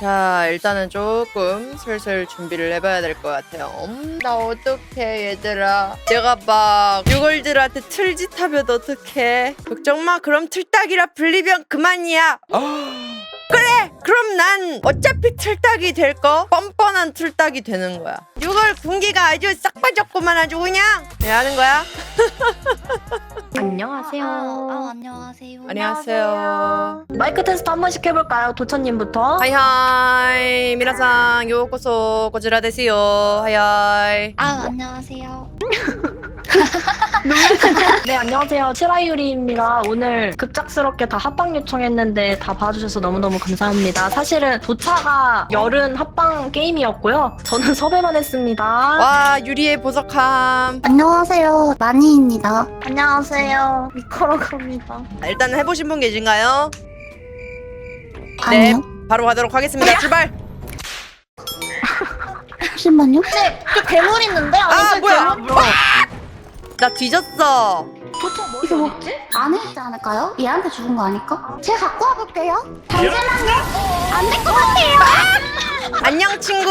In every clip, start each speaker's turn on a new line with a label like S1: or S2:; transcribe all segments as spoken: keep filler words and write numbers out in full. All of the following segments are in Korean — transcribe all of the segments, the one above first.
S1: 자, 일단은 조금 슬슬 준비를 해봐야 될 것 같아요. 음, 나 어떡해 얘들아. 내가 막 유골들한테 틀짓 하면 어떡해. 걱정마. 그럼 틀딱이라 불리면 그만이야. 그래! 그럼 난 어차피 틀딱이 될 거 뻔뻔한 틀딱이 되는 거야. 유골 군기가 아주 싹 빠졌구만. 아주 그냥 왜 하는 거야?
S2: 안녕하세요.
S3: 아, 아, 안녕하세요.
S1: 안녕하세요.
S2: 마이크 테스트 한 번씩 해볼까요? 도천님부터.
S1: 하이하이 미나상 요코소 고지라 데스요. 하이하이.
S3: 아, 안녕하세요.
S2: 네, 안녕하세요. 칠하유리입니다. 오늘 급작스럽게 다 합방 요청했는데 다 봐주셔서 너무너무 감사합니다. 사실은 도차가 열은 합방 게임이었고요. 저는 섭외만 했습니다.
S1: 와 유리의 보석함.
S3: 안녕하세요. 마니입니다.
S2: 안녕하세요. 미코라고 합니다.
S1: 일단 해보신 분 계신가요? 네,
S3: 아니요.
S1: 바로 가도록 하겠습니다. 출발.
S3: 잠시만요. 네, 저 괴물 있는데?
S1: 아 뭐야?
S2: 괴물?
S1: 나 뒤졌어.
S2: 도차 뭐
S3: 이거 뭐
S2: 어딨지?
S3: 안에 있지 않을까요? 얘한테 죽은 거 아닐까? 제가 갖고 와볼게요. 잠시만요. 안 될 것 같아요.
S1: 안녕 친구.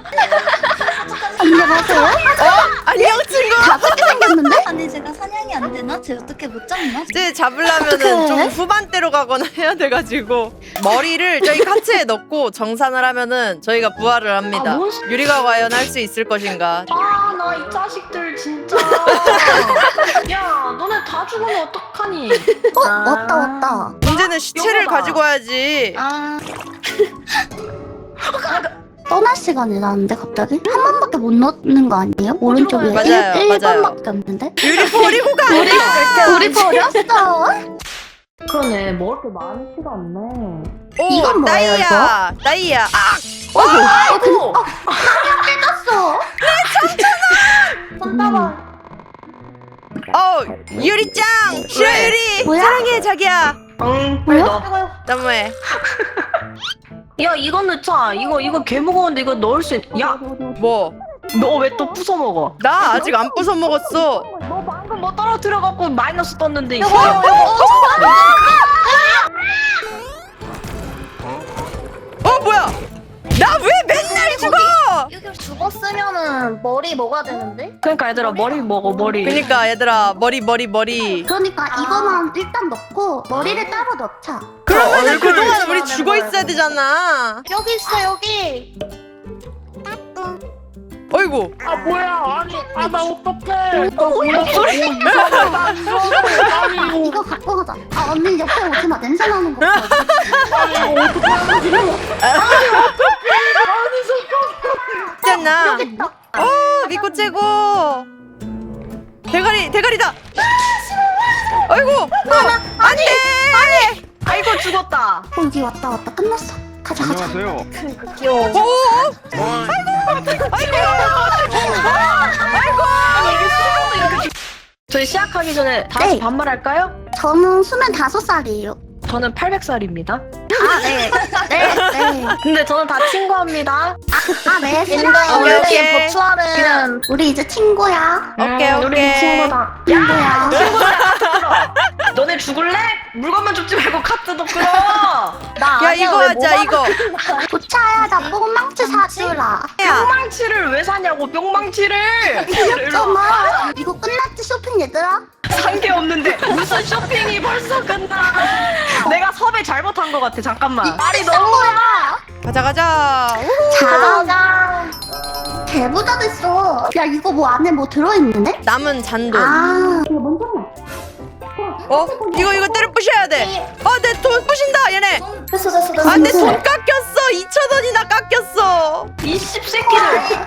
S3: 안녕하세요.
S1: 안녕 친구.
S3: 가볍게 생겼는데?
S4: 아니 제가 사냥이 안 되나? 쟤 어떻게 못 잡나?
S1: 이제 잡으려면은
S3: 어떡해?
S1: 좀 후반대로 가거나 해야 돼가지고 머리를 저희 카트에 넣고 정산을 하면은 저희가 부활을 합니다.
S2: 아, 뭔 소-
S1: 유리가 과연 할 수 있을 것인가?
S2: 아, 나 이 자식들 진짜. 야, 너네 다 죽으면 어떡하니?
S3: 어,
S2: 아.
S3: 왔다, 왔다.
S1: 문제는 시체를
S2: 요거다.
S1: 가지고 와야지.
S4: 아
S3: 떠날 시간이 나는데 갑자기? 한 번밖에 못 넣는 거 아니에요? 오른쪽에
S1: 맞아요,
S3: 일
S1: 맞아요.
S3: 번밖에 없는데?
S1: 유리 버리고 가.
S3: 우리, 우리 버렸어.
S2: 그러네, 먹을 게 많지가 않네.
S1: 오,
S3: 이건 뭐예요,
S1: 따이야. 따이야. 아,
S2: 아이고!
S3: 떴어.
S2: 손따봐.
S1: 어, 유리짱. 싫어 유리.
S3: 뭐야?
S1: 사랑해 자기야.
S2: 응, 빨리
S3: 뭐야?
S2: 넣어.
S1: 너무해.
S2: 야, 이거 넣자. 이거, 이거 개 무거운데 이거 넣을 수 있... 야,
S1: 뭐?
S2: 너 왜 또 부숴 먹어?
S1: 나 아직 안 부숴 먹었어.
S2: 너 방금 뭐 떨어뜨려갖고 마이너스 떴는데, 이거.
S1: 어 뭐야? 나 왜 맨날 죽어?
S4: 여기 죽었으면은 머리 먹어야 되는데?
S2: 그러니까 얘들아, 머리 먹어, 머리.
S1: 그니까 얘들아 머리 머리 머리.
S3: 그러니까 이거만 일단 넣고 머리를 따로 넣자.
S1: 그러면은
S2: 얼굴
S1: 그동안 우리
S4: 좋아하는
S1: 죽어 있어야 되잖아.
S4: 여기 있어 여기.
S1: 어이구.
S2: 아, 뭐야. 아니, 아, 나 어떡해.
S3: 이거 갖고 가자. 아 언니 옆에 오지 마. 냄새 나는 거. 같아.
S1: 있잖아.
S3: 여기 있다.
S1: 어 미코 최고. 대가리 대가리다. 어이구. 어, 안돼.
S2: 아이고, 죽었다.
S3: 어 여기 왔다 왔다. 끝났어. 가자 가자.
S5: 안녕하세요.
S2: 귀여워.
S1: 오.
S2: 저희 시작하기 전에 다 같이
S3: 네.
S2: 반말할까요?
S3: 저는 스물다섯 살이에요.
S2: 저는 팔백 살입니다.
S3: 아 네. 네 네.
S2: 근데 저는 다 친구합니다.
S3: 아 네.
S1: 오케이,
S3: 싫어요.
S1: 오케이.
S4: 버추알은
S3: 우리 이제 친구야.
S1: 오케이,
S2: 음, 우리
S1: 오케이.
S2: 친구다.
S3: 친구야.
S2: 너네 죽을래? 물건만 줍지 말고 카트도 끌어.
S4: 나
S1: 야
S4: 아니야,
S1: 이거
S4: 왜
S1: 하자
S4: 뭐가-
S1: 이거.
S3: 도차야 나 뽕망치 사주라.
S1: 야.
S2: 뿅망치를 왜 사냐고, 뿅망치를.
S3: 귀엽잖아. 이거 끝났지 쇼핑 얘들아?
S2: 산 게 없는데 무슨 쇼핑이 벌써 끝나. 내가 섭외 잘못한 것 같아. 잠깐만.
S3: 말이 너무 거야.
S1: 가자 가자.
S3: 자. 개부자 됐어. 야 이거 뭐 안에 뭐 들어있는데?
S1: 남은 잔돈.
S3: 아 이거 먼저 해.
S1: 어? 이거 이거 때려 부셔야 돼. 어 내 돈 부신다 얘네.
S3: 됐어 됐어 됐어.
S1: 아 내 돈 깎였어. 이천 원이나 깎였어.
S2: 이 씹새끼들.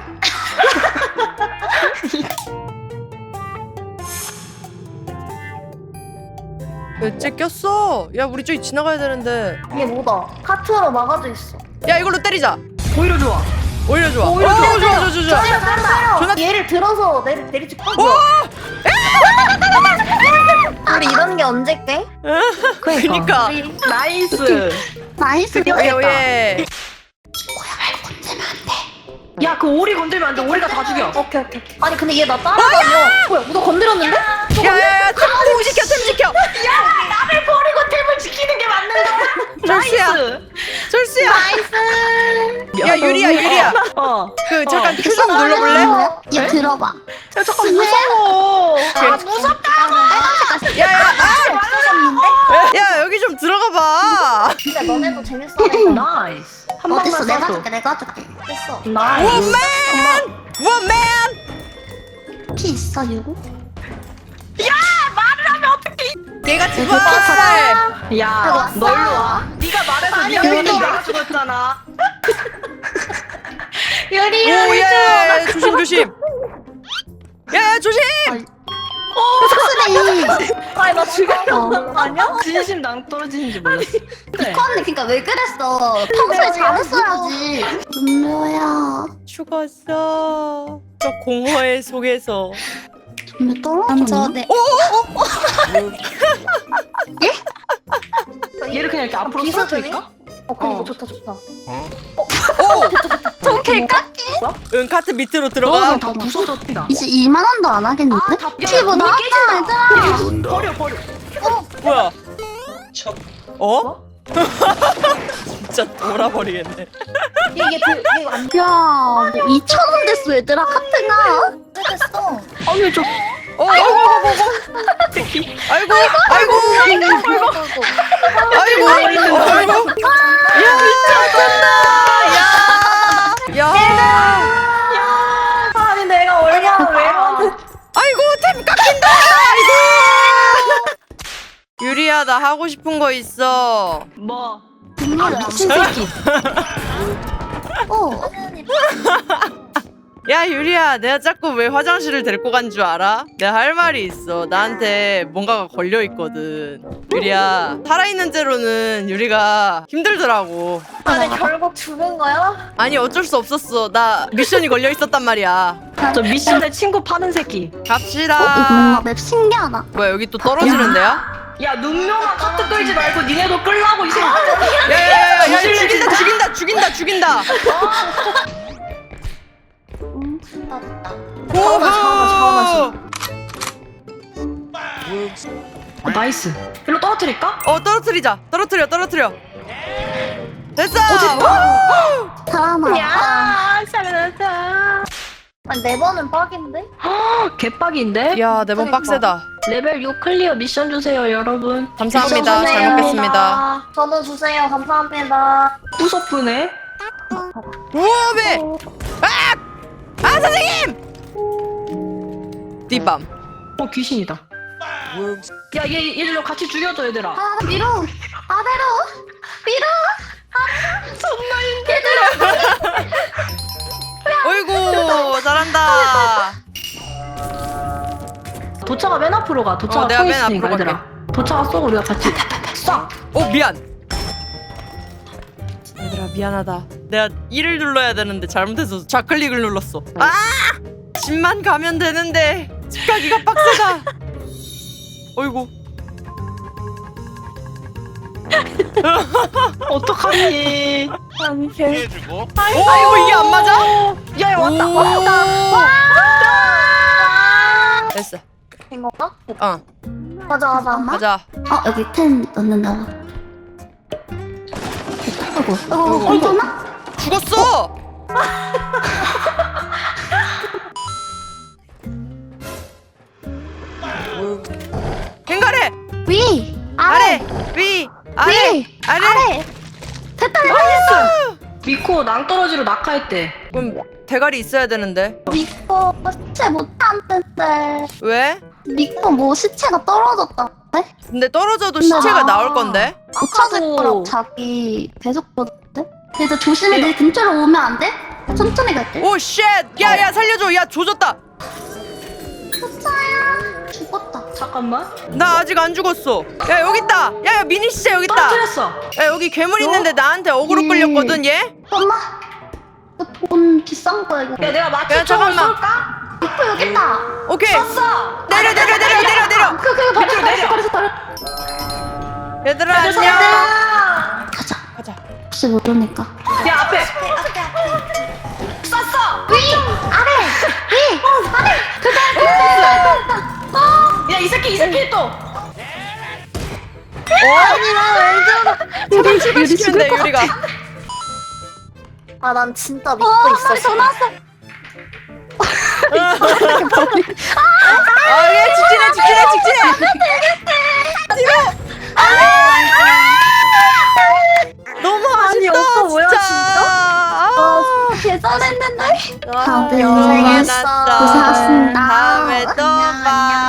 S1: 왜 째꼈어? 야 우리 저기 지나가야 되는데.
S4: 이게 뭐다? 카트로 막아져 있어.
S1: 야 이걸로 때리자.
S2: 오히려 좋아.
S1: 오히려 좋아.
S2: 오히려
S1: 어,
S2: 좋아.
S1: 좋아 좋아 좋아 좋아. 전화-
S4: 얘를 들어서 내리 내리지.
S1: 오!
S4: 우리 이런 게 언제 깨?
S1: 그니까.
S2: 나이스.
S3: 나이스.
S1: 오예 오예.
S2: 야, 그 오리 건들면 안 돼. 오리가 다 죽여.
S4: 오케이 오케이. 아니 근데 얘 나 따라다녀. 뭐야? 너 건드렸는데?
S1: 야야야 템 지켜 템 지켜.
S2: 나를 버리고 템을 지키는 게 맞는 거야.
S1: 철수야.
S2: 나이스.
S1: 철수야.
S3: 나이스.
S1: 야 유리야 유리야.
S2: 어.
S1: 그 잠깐
S2: 어.
S1: 큐 좀 눌러볼래?
S3: 얘 들어봐.
S2: 야 잠깐 무서워.
S1: 아 무섭다. 야야 아! 야 여기 좀 들어가 봐.
S4: 진짜 너네도 재밌어.
S2: 나이스. 한 방만
S3: 어딨어? 내가
S2: 쏴줘.
S3: 줄게. 내가 줄게.
S4: 됐어.
S2: 나이스.
S1: 원맨.
S3: 피 있어 유고?
S1: 얘가 죽었어.
S2: 야, 너 일로 와. 네가 말해서 네가
S3: 여기
S2: 죽었는데
S3: 또-
S2: 내가 죽었잖아.
S3: 유리야.
S1: 오예 조심 조심. 야 조심.
S3: 사슬이.
S2: 아니 나 죽였어. 아니야? 진심 낭 떨어지는지 몰랐어. 그래.
S3: 이거 언니 그니까 왜 그랬어? 평소에 잘했어야지. 준묘야.
S1: 죽었어. 저 공허의 속에서.
S3: 준묘 떨어졌네.
S2: 얘를 그냥 이렇게 앞으로
S4: 비서
S2: 쏠까?
S4: 어 그니까
S2: 어.
S4: 좋다 좋다.
S1: 오.
S3: 저 개깎이.
S1: 응 카트 밑으로
S2: 너는
S1: 들어가.
S2: 다 부서졌다.
S3: 이제 이만 원도 안 하겠는데?
S2: 아, 다
S3: 피부 나왔다 얘들아.
S2: 버려 버려.
S1: 뭐야? 어? 진짜 돌아버리겠네.
S4: 이게 그 이게 안
S3: 야, 이천 원 됐어 얘들아 카트가.
S4: 됐어.
S2: 아니 저
S1: 어, 아이고, 아이고, 아이고, 아이고, 아이고, 아이고, 야, 미쳤다, 야, 야,
S2: 아니 내가 얼마나 왜?
S1: 아이고, 템 깎인다, 아이고. 유리야, 나 하고 싶은 거 있어.
S2: 뭐?
S3: 아 미친 새끼. 어.
S1: 야, 유리야, 내가 자꾸 왜 화장실을 데리고 간 줄 알아? 내가 할 말이 있어. 나한테 뭔가가 걸려 있거든. 유리야, 살아있는 채로는 유리가 힘들더라고.
S4: 아니 결국 죽은 거야?
S1: 아니 어쩔 수 없었어. 나 미션이 걸려 있었단 말이야.
S2: 저 미션에 친구 파는 새끼.
S3: 어, 이거
S1: 갑시다.
S3: 뭔가 맵 신기하다.
S1: 뭐야 여기 또 떨어지는 데야?
S2: 야 눈명아 카트 끌지 말고 니네도 끌라고 이 새끼.
S1: 야야야야 죽인다 죽인다 죽인다 죽인다.
S3: 응.
S4: 됐다 됐다.
S1: 오호.
S2: 아, 나이스. 일로 떨어뜨릴까?
S1: 어 떨어뜨리자. 떨어뜨려 떨어뜨려. 됐어.
S3: 사람아.
S2: 야 잘했다.
S4: 아니 네 번은 빡인데?
S2: 개빡인데?
S1: 야 내 번 빡세다.
S2: 레벨 육 클리어 미션 주세요 여러분.
S1: 감사합니다.
S4: 미션
S1: 잘
S4: 주세요.
S1: 먹겠습니다.
S4: 저도 주세요. 감사합니다.
S2: 무섭네.
S1: 우메. 아! 아 선생님. 뒷밤.
S2: 어 귀신이다. 야얘 얘들로 같이 죽여줘 얘들아.
S3: 아 위로. 아래로. 위로.
S1: 어이구 잘한다.
S2: 도차가 맨 앞으로 가. 도차가
S1: 어, 내가
S2: 서
S1: 맨
S2: 있으니까
S1: 앞으로
S2: 얘들아. 도차가 쏘고 우리가 같이 쏴.
S1: 어 미안. 얘들아 미안하다. 내가 일을 눌러야 되는데 잘못해서 좌클릭을 눌렀어. 아! 집만 가면 되는데 집 가기가 빡세다. 어이구.
S2: 어떡하니?
S5: 피해주고
S1: 오 이게 안 맞아?
S2: 야야 왔다.
S1: 오.
S2: 왔다.
S1: 됐어.
S4: 된 건가?
S1: 어
S4: 맞아 맞아.
S3: 잠깐만.
S1: 가자.
S3: 어 여기 펜 넣는다고. 아이고. 아이고. 괜찮아?
S1: 죽었어. 갱가래
S3: 위.
S1: 아래
S3: 아래.
S1: 위 아래
S3: 위.
S1: 아래.
S3: 아래. 됐다.
S2: 나이스. 미코 낭떠러지로 낙하했대.
S1: 그럼 대가리 있어야 되는데
S3: 미코 시체 못하는데.
S1: 왜?
S3: 미코 뭐 시체가 떨어졌다. 네?
S1: 근데 떨어져도
S3: 근데
S1: 시체가
S3: 나-
S1: 나올 건데.
S3: 못 찾을
S2: 아까도-
S3: 거라고 자기 계속 그러던데? 얘들 조심히 내 근처로 오면 안 돼? 천천히 갈게.
S1: 오 쉣! 야야 살려줘. 야 조졌다.
S3: 호차야 죽었다.
S2: 잠깐만.
S1: 나 아직 안 죽었어. 야 여기 있다. 야야 미니 시체 여기 있다.
S2: 떨어뜨렸어.
S1: 야 여기 괴물 있는데 나한테 어그로
S3: 음.
S1: 끌렸거든 얘.
S3: 엄마. 이거 돈 비싼 거야 이거.
S2: 야 내가
S1: 야,
S2: 마취총을
S1: 잠깐만.
S2: 쏠까?
S3: 미코 여기 있다.
S1: 오케이.
S2: 쐈어.
S1: 내려 내려 내려 내려 내려.
S3: 그 그거 버렸어
S2: 밑으로 내려.
S3: 버렸어 버렸어.
S1: 얘들아 안녕.
S3: 가자.
S1: 가자.
S3: 혹시 모르니까.
S2: 야 앞에. 쐈어.
S3: 위 아래 위 아래 그거
S2: 야 이 새끼 이 새끼 또.
S1: 유리 유리 시키면 돼 유리가.
S4: 아, 난 진짜 믿고
S3: 어, 한 마리
S4: 있었어.
S3: 더 나왔어.
S1: 아, 얘 직진해, 직진해, 직진해. 뒤로. 너무
S2: 아니,
S1: 아쉽다.
S2: 오빠 뭐야, 진짜?
S1: 아,
S3: 계산했는데.
S1: 아,
S3: 다들
S1: 고생해놨어.
S3: 고생하셨습니다.
S1: 다음에 또
S3: 안녕,
S1: 봐.